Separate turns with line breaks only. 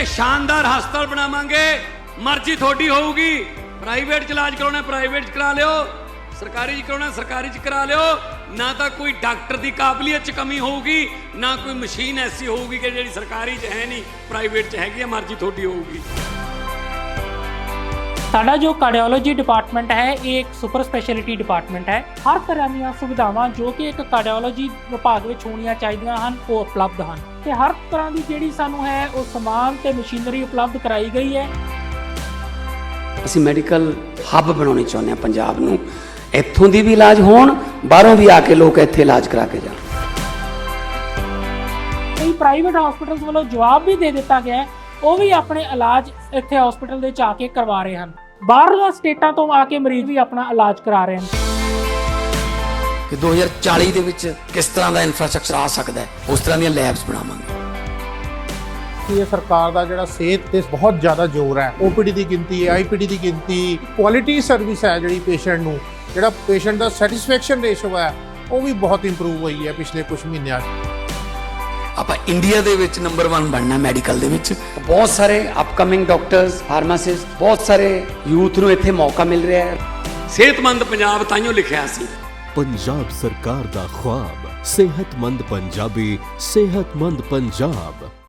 शानदार हस्पताल बनावांगे। मर्जी थोड़ी होगी, प्राइवेट च इलाज कराना प्राइवेट च करा लियो, सरकारी च कराना सरकारी च करा लियो। ना तो कोई डॉक्टर की काबलियत च कमी होगी, ना कोई मशीन ऐसी होगी कि जी सरकारी च है नहीं प्राइवेट च हैगी, मर्जी थोड़ी होगी।
साडा जो कार्डियोलॉजी डिपार्टमेंट है ये एक सुपर स्पैशलिटी डिपार्टमेंट है। हर तरह ਦੀਆਂ ਸੁਵਿਧਾਵਾਂ ਜੋ ਕਿ ਇੱਕ ਕਾਰਡੀਓਲੋਜੀ ਵਿਭਾਗ ਵਿੱਚ ਹੋਣੀਆਂ ਚਾਹੀਦੀਆਂ ਹਨ ਉਹ ਉਪਲਬਧ ਹਨ ਤੇ ਹਰ ਤਰ੍ਹਾਂ ਦੀ ਜਿਹੜੀ ਸਾਨੂੰ ਹੈ ਉਹ ਸਮਾਨ ਤੇ ਮਸ਼ੀਨਰੀ ਉਪਲਬਧ ਕਰਾਈ ਗਈ ਹੈ।
ਅਸੀਂ ਮੈਡੀਕਲ ਹੱਬ ਬਣਾਉਣੀ ਚਾਹੁੰਦੇ ਹਾਂ ਪੰਜਾਬ ਨੂੰ, ਇੱਥੋਂ ਦੀ ਵੀ ਇਲਾਜ ਹੋਣ, ਬਾਹਰੋਂ ਵੀ ਆ ਕੇ ਲੋਕ ਇੱਥੇ ਇਲਾਜ ਕਰਾ ਕੇ ਜਾਣ।
ਕਈ ਪ੍ਰਾਈਵੇਟ ਹਸਪੀਟਲਸ ਵੱਲੋਂ ਜਵਾਬ ਵੀ ਦੇ ਦਿੱਤਾ ਗਿਆ ਹੈ, ਉਹ ਵੀ ਆਪਣੇ ਇਲਾਜ ਇੱਥੇ ਹਸਪੀਟਲ ਦੇ ਚ ਆ ਕੇ ਕਰਵਾ ਰਹੇ ਹਨ। ਬਾਹਰਲੀਆਂ ਸਟੇਟਾਂ ਤੋਂ ਆ ਕੇ ਮਰੀਜ਼ ਵੀ ਆਪਣਾ ਇਲਾਜ ਕਰਾ ਰਹੇ ਹਨ।
ਕਿ 2040 ਦੇ ਵਿੱਚ ਕਿਸ ਤਰ੍ਹਾਂ ਦਾ ਇਨਫਰਾਸਟ੍ਰਕਚਰ ਆ ਸਕਦਾ ਹੈ, ਉਸ ਤਰ੍ਹਾਂ ਦੀਆਂ ਲੈਬਸ ਬਣਾਵਾਂਗੇ।
ਇਹ ਸਰਕਾਰ ਦਾ ਜਿਹੜਾ ਸਿਹਤ ਤੇ ਬਹੁਤ ਜ਼ਿਆਦਾ ਜ਼ੋਰ ਹੈ, ਓਪੀਡੀ ਦੀ ਗਿਣਤੀ, ਆਈਪੀਡੀ ਦੀ ਗਿਣਤੀ, ਕੁਆਲਿਟੀ ਸਰਵਿਸ ਹੈ ਜਿਹੜੀ ਪੇਸ਼ੈਂਟ ਨੂੰ, ਜਿਹੜਾ ਪੇਸ਼ੈਂਟ ਦਾ ਸੈਟੀਸਫੈਕਸ਼ਨ ਰੇਸ਼ੋ ਹੈ ਉਹ ਵੀ ਬਹੁਤ ਇੰਪਰੂਵ ਹੋਈ ਹੈ ਪਿਛਲੇ ਕੁਝ ਮਹੀਨਿਆਂ 'ਚ।
ਆਪਾਂ ਇੰਡੀਆ ਦੇ ਵਿੱਚ ਨੰਬਰ 1 ਬਣਨਾ ਮੈਡੀਕਲ ਦੇ ਵਿੱਚ। ਬਹੁਤ ਸਾਰੇ ਅਪਕਮਿੰਗ ਡਾਕਟਰਸ, ਫਾਰਮਾਸਿਸਟ, ਬਹੁਤ ਸਾਰੇ ਯੂਥ ਨੂੰ ਇੱਥੇ ਮੌਕਾ ਮਿਲ ਰਿਹਾ ਹੈ।
सेहतमंद पंजाब ताइयों लिखिया सी।
पंजाब सरकार दा ख्वाब, सेहतमंद पंजाबी, सेहतमंद पंजाब।